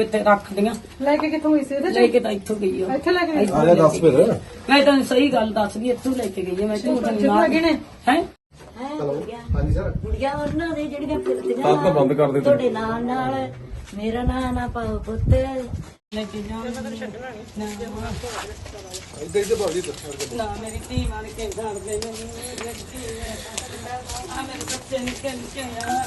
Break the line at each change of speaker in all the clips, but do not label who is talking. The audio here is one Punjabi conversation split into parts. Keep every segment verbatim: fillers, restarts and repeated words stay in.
ਇੱਥੇ ਰੱਖਦੀਆਂ।
ਲੈ ਕੇ ਕਿੱਥੋਂ ਗਈ ਸੀ ਇਹਦੇ
ਲੈ ਕੇ ਤਾਂ ਇੱਥੋਂ ਗਈ ਉਹ।
ਇੱਥੇ ਲੈ ਕੇ ਗਈ ਸੀ?
ਆ ਜਾ ਦੱਸ ਫਿਰ।
ਮੈਂ ਤਾਂ ਸਹੀ ਗੱਲ ਦੱਸਦੀ, ਇੱਥੋਂ ਲੈ ਕੇ ਗਈ ਹੈ। ਮੈਂ ਝੂਠ ਨਹੀਂ ਮਾਰਦੀ
ਨੇ
ਹੈ।
ਚਲੋ ਹਾਂਜੀ ਸਰ।
ਕੁੜੀਆਂ ਉਹਨਾਂ ਦੇ ਜਿਹੜੀਆਂ ਫਿਰਦੀਆਂ
ਤਾਂ ਤਾਂ ਬੰਦ ਕਰ ਦੇ
ਤੁਹਾਡੇ ਨਾਲ ਨਾਲ ਮੇਰਾ ਨਾਂ ਨਾ ਪਾਓ ਪੁੱਤ।
ਲੈ ਕੇ ਜਾ
ਇੱਧਰ ਇੱਧਰ ਭਾਜੀ
ਨਾ ਮੇਰੀ ਧੀ ਮਾਰ ਕੇ ਘਰ ਦੇ ਮੇਰੀ ਧੀ ਆ ਮੇਰੇ ਬੱਚੇ ਨਿੱਕੇ ਨਿੱਕੇ ਆ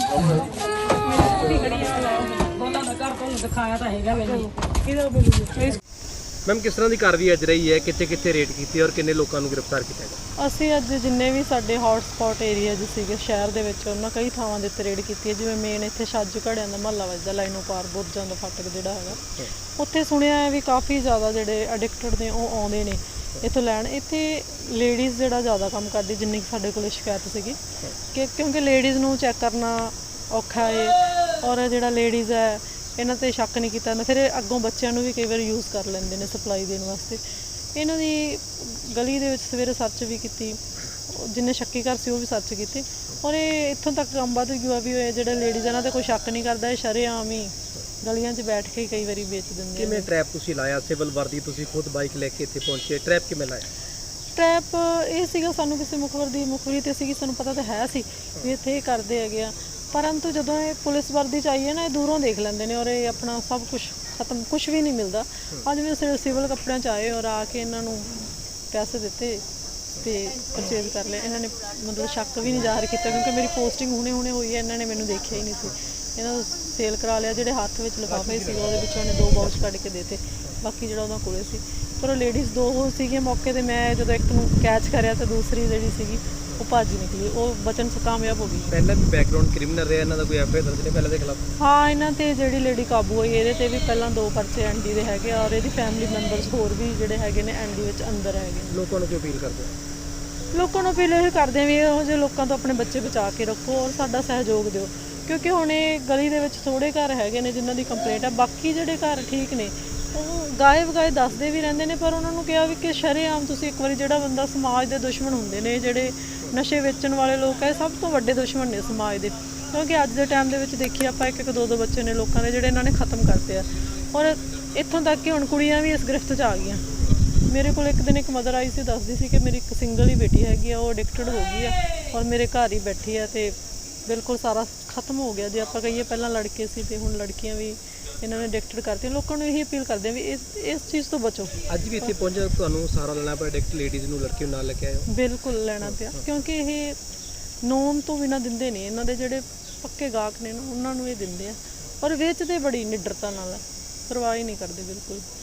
ਦੋਨਾਂ ਦਾ ਘਰ ਤੁਹਾਨੂੰ ਦਿਖਾਇਆ ਤਾਂ ਹੈਗਾ ਮੈਨੂੰ। ਕਿਹਦਾ ਬੋਲੂਗਾ?
ਮੈਮ ਕਿਸ ਤਰ੍ਹਾਂ ਦੀ ਕਾਰਵਾਈ ਅੱਜ ਰਹੀ ਹੈ, ਕਿੱਥੇ ਕਿੱਥੇ ਰੇਡ ਕੀਤੀ ਔਰ ਕਿੰਨੇ ਲੋਕਾਂ ਨੂੰ ਗ੍ਰਿਫਤਾਰ ਕੀਤਾ ਗਿਆ?
ਅਸੀਂ ਅੱਜ ਜਿੰਨੇ ਵੀ ਸਾਡੇ ਹੌਟ ਸਪੌਟ ਏਰੀਆ ਜਿ ਸੀਗੇ ਸ਼ਹਿਰ ਦੇ ਵਿੱਚ ਉਹਨਾਂ ਕਈ ਥਾਵਾਂ ਦੇ ਉੱਤੇ ਰੇਡ ਕੀਤੀ ਹੈ। ਜਿਵੇਂ ਮੇਨ ਇੱਥੇ ਛੱਜ ਘੜਿਆਂ ਦਾ ਮਹੱਲਾ ਵੱਜਦਾ, ਲਾਈਨੋ ਪਾਰ ਬੁਰਜਾਂ ਦਾ ਫਾਟਕ ਜਿਹੜਾ ਹੈਗਾ, ਉੱਥੇ ਸੁਣਿਆ ਹੈ ਵੀ ਕਾਫੀ ਜ਼ਿਆਦਾ ਜਿਹੜੇ ਐਡਿਕਟਡ ਨੇ ਉਹ ਆਉਂਦੇ ਨੇ ਇੱਥੋਂ ਲੈਣ। ਇੱਥੇ ਲੇਡੀਜ਼ ਜਿਹੜਾ ਜ਼ਿਆਦਾ ਕੰਮ ਕਰਦੀ, ਜਿੰਨੀ ਕੁ ਸਾਡੇ ਕੋਲ ਸ਼ਿਕਾਇਤ ਸੀਗੀ ਕਿ ਕਿਉਂਕਿ ਲੇਡੀਜ਼ ਨੂੰ ਚੈੱਕ ਕਰਨਾ ਔਖਾ ਹੈ ਔਰ ਜਿਹੜਾ ਲੇਡੀਜ਼ ਹੈ ਇਹਨਾਂ 'ਤੇ ਸ਼ੱਕ ਨਹੀਂ ਕੀਤਾ ਜਾਂਦਾ। ਫਿਰ ਇਹ ਅੱਗੋਂ ਬੱਚਿਆਂ ਨੂੰ ਵੀ ਕਈ ਵਾਰ ਯੂਜ਼ ਕਰ ਲੈਂਦੇ ਨੇ ਸਪਲਾਈ ਦੇਣ ਵਾਸਤੇ। ਇਹਨਾਂ ਦੀ ਗਲੀ ਦੇ ਵਿੱਚ ਸਵੇਰੇ ਸਰਚ ਵੀ ਕੀਤੀ, ਜਿੰਨੇ ਸ਼ੱਕੀ ਘਰ ਸੀ ਉਹ ਵੀ ਸਰਚ ਕੀਤੀ ਔਰ ਇਹ ਇੱਥੋਂ ਤੱਕ ਕੰਮ ਵੱਧ ਗਿਆ ਵੀ ਇਹ ਜਿਹੜੇ ਲੇਡੀਜ਼ ਇਹਨਾਂ 'ਤੇ ਕੋਈ ਸ਼ੱਕ ਨਹੀਂ ਕਰਦਾ, ਇਹ ਸ਼ਰੇਆਮ ਹੀ ਗਲੀਆਂ 'ਚ ਬੈਠ ਕੇ ਕਈ ਵਾਰੀ ਵੇਚ ਦਿੰਦੇ।
ਕਿਵੇਂ ਟਰੈਪ ਤੁਸੀਂ ਲਾਇਆ? ਸਿਵਲ ਵਰਦੀ ਤੁਸੀਂ ਖੁਦ ਬਾਈਕ ਲੈ ਕੇ ਇੱਥੇ ਪਹੁੰਚੇ, ਟਰੈਪ ਕਿਵੇਂ ਲਾਇਆ?
ਟਰੈਪ ਇਹ ਸੀਗਾ, ਸਾਨੂੰ ਕਿਸੇ ਮੁਖਬਰ ਦੀ ਮੁਖਬਰੀ ਤੇ ਸੀਗੀ, ਸਾਨੂੰ ਪਤਾ ਤਾਂ ਹੈ ਸੀ ਵੀ ਇੱਥੇ ਇਹ ਕਰਦੇ ਹੈਗੇ ਆ, ਪਰੰਤੂ ਜਦੋਂ ਇਹ ਪੁਲਿਸ ਵਰਦੀ 'ਚ ਆਈ ਹੈ ਨਾ ਇਹ ਦੂਰੋਂ ਦੇਖ ਲੈਂਦੇ ਨੇ ਔਰ ਇਹ ਆਪਣਾ ਸਭ ਕੁਝ ਖਤਮ, ਕੁਝ ਵੀ ਨਹੀਂ ਮਿਲਦਾ। ਅੱਜ ਵੀ ਸਿਵਲ ਕੱਪੜਿਆਂ 'ਚ ਆਏ ਔਰ ਆ ਕੇ ਇਹਨਾਂ ਨੂੰ ਪੈਸੇ ਦਿੱਤੇ ਤੇ ਪਰਚੇਜ਼ ਕਰ ਲਿਆ। ਇਹਨਾਂ ਨੇ ਮਤਲਬ ਸ਼ੱਕ ਵੀ ਨਹੀਂ ਜ਼ਾਹਰ ਕੀਤਾ ਕਿਉਂਕਿ ਮੇਰੀ ਪੋਸਟਿੰਗ ਹੁਣੇ ਹੁਣੇ ਹੋਈ ਹੈ, ਇਹਨਾਂ ਨੇ ਮੈਨੂੰ ਦੇਖਿਆ ਹੀ ਨਹੀਂ ਸੀ। ਇਹਨਾਂ ਨੂੰ ਸੇਲ ਕਰਾ ਲਿਆ। ਜਿਹੜੇ ਹੱਥ ਵਿੱਚ ਲਿਫਾਫੇ ਸੀਗਾ ਉਹਦੇ ਵਿੱਚੋਂ ਇਹਨੇ ਦੋ ਬਾਊਚ ਕੱਢ ਕੇ ਦੇਤੇ, ਬਾਕੀ ਜਿਹੜਾ ਉਹਦਾ ਕੋਲੇ ਸੀ। ਪਰ ਉਹ ਲੇਡੀਜ਼ ਦੋ ਹੋ ਸੀਗੀਆਂ ਮੌਕੇ 'ਤੇ। ਮੈਂ ਜਦੋਂ ਇੱਕ ਨੂੰ ਕੈਚ ਕਰਿਆ ਤਾਂ ਦੂਸਰੀ ਜਿਹੜੀ ਸੀਗੀ ਉਹ ਭੱਜ ਨਿਕਲੀ, ਉਹ ਬਚਣ 'ਚ ਕਾਮਯਾਬ ਹੋ ਗਈ।
ਪਹਿਲਾਂ ਵੀ ਬੈਕਗ੍ਰਾਉਂਡ ਕ੍ਰਿਮੀਨਲ ਰਿਹਾ ਇਹਨਾਂ ਦਾ, ਕੋਈ ਐਫ ਆਈ ਆਰ ਦਰਜ ਨਹੀਂ ਪਹਿਲਾਂ ਦੇ ਖਿਲਾਫ?
ਹਾਂ, ਇਹਨਾਂ 'ਤੇ ਜਿਹੜੀ ਲੇਡੀ ਕਾਬੂ ਹੋਈ ਇਹਦੇ 'ਤੇ ਵੀ ਪਹਿਲਾਂ ਦੋ ਪਰਚੇ ਐਨ ਡੀ ਦੇ ਹੈਗੇ ਔਰ ਇਹਦੀ ਫੈਮਿਲੀ ਮੈਂਬਰਸ ਹੋਰ ਵੀ ਜਿਹੜੇ ਹੈਗੇ ਨੇ ਐਨ ਡੀ ਵਿੱਚ ਅੰਦਰ ਹੈਗੇ।
ਲੋਕਾਂ ਨੂੰ ਕੀ ਅਪੀਲ ਕਰਦੇ ਹੋ?
ਲੋਕਾਂ ਨੂੰ ਅਪੀਲ ਇਹ ਕਰਦੇ ਆ ਵੀ ਇਹੋ ਜਿਹੇ ਲੋਕਾਂ ਤੋਂ ਆਪਣੇ ਬੱਚੇ ਬਚਾ ਕੇ ਰੱਖੋ ਔਰ ਸਾਡਾ ਸਹਿਯੋਗ ਦਿਓ ਕਿਉਂਕਿ ਹੁਣ ਇਹ ਗਲੀ ਦੇ ਵਿੱਚ ਥੋੜ੍ਹੇ ਘਰ ਹੈਗੇ ਨੇ ਜਿਨ੍ਹਾਂ ਦੀ ਕੰਪਲੇਂਟ ਹੈ। ਬਾਕੀ ਜਿਹੜੇ ਘਰ ਠੀਕ ਨੇ ਉਹ ਗਾਏ ਵਗਾਏ ਦੱਸਦੇ ਵੀ ਰਹਿੰਦੇ ਨੇ, ਪਰ ਉਹਨਾਂ ਨੂੰ ਕਿਹਾ ਵੀ ਕਿ ਸ਼ਰੇਆਮ ਤੁਸੀਂ ਇੱਕ ਵਾਰੀ, ਜਿਹੜਾ ਬੰਦਾ ਸਮਾਜ ਦੇ ਦੁਸ਼ਮਣ ਹੁੰਦੇ ਨੇ, ਜਿਹੜੇ ਨਸ਼ੇ ਵੇਚਣ ਵਾਲੇ ਲੋਕ ਹੈ, ਸਭ ਤੋਂ ਵੱਡੇ ਦੁਸ਼ਮਣ ਨੇ ਸਮਾਜ ਦੇ। ਕਿਉਂਕਿ ਅੱਜ ਦੇ ਟਾਈਮ ਦੇ ਵਿੱਚ ਦੇਖੀਏ ਆਪਾਂ ਇੱਕ ਇੱਕ ਦੋ ਦੋ ਬੱਚੇ ਨੇ ਲੋਕਾਂ ਦੇ ਜਿਹੜੇ ਇਹਨਾਂ ਨੇ ਖਤਮ ਕਰਤੇ ਆ ਔਰ ਇੱਥੋਂ ਤੱਕ ਕਿ ਹੁਣ ਕੁੜੀਆਂ ਵੀ ਇਸ ਗ੍ਰਿਫਤ 'ਚ ਆ ਗਈਆਂ। ਮੇਰੇ ਕੋਲ ਇੱਕ ਦਿਨ ਇੱਕ ਮਦਰ ਆਈ ਸੀ, ਦੱਸਦੀ ਸੀ ਕਿ ਮੇਰੀ ਇੱਕ ਸਿੰਗਲ ਹੀ ਬੇਟੀ ਹੈਗੀ ਆ, ਉਹ ਐਡਿਕਟਡ ਹੋ ਗਈ ਆ ਔਰ ਮੇਰੇ ਘਰ ਹੀ ਬੈਠੀ ਆ ਤੇ ਬਿਲਕੁਲ ਸਾਰਾ ਖਤਮ ਹੋ ਗਿਆ। ਜੇ ਆਪਾਂ ਕਹੀਏ ਪਹਿਲਾਂ ਲੜਕੇ ਸੀ ਤੇ ਹੁਣ ਲੜਕੀਆਂ ਵੀ ਇਹਨਾਂ ਨੇ ਐਡਿਕਟਡ ਕਰਤੀਆਂ। ਲੋਕਾਂ ਨੂੰ ਇਹੀ ਅਪੀਲ ਕਰਦੇ ਆ ਵੀ ਇਸ ਇਸ ਚੀਜ਼ ਤੋਂ ਬਚੋ।
ਅੱਜ ਵੀ ਇੱਥੇ ਪਹੁੰਚੇ ਤੁਹਾਨੂੰ ਸਹਾਰਾ ਲੈਣਾ ਪਿਆ, ਐਡਿਕਟ ਲੇਡੀਜ਼ ਨੂੰ, ਲੜਕੀ ਨੂੰ ਨਾਲ ਲੈ ਕੇ ਆਏ ਹੋ?
ਬਿਲਕੁਲ ਲੈਣਾ ਪਿਆ ਕਿਉਂਕਿ ਇਹ ਨੋਨ ਤੋਂ ਬਿਨਾਂ ਦਿੰਦੇ ਨੇ, ਇਹਨਾਂ ਦੇ ਜਿਹੜੇ ਪੱਕੇ ਗਾਹਕ ਨੇ ਨਾ ਉਹਨਾਂ ਨੂੰ ਇਹ ਦਿੰਦੇ ਆ ਔਰ ਵੇਚਦੇ ਬੜੀ ਨਿਡਰਤਾ ਨਾਲ, ਪਰਵਾਹ ਹੀ ਨਹੀਂ ਕਰਦੇ ਬਿਲਕੁਲ।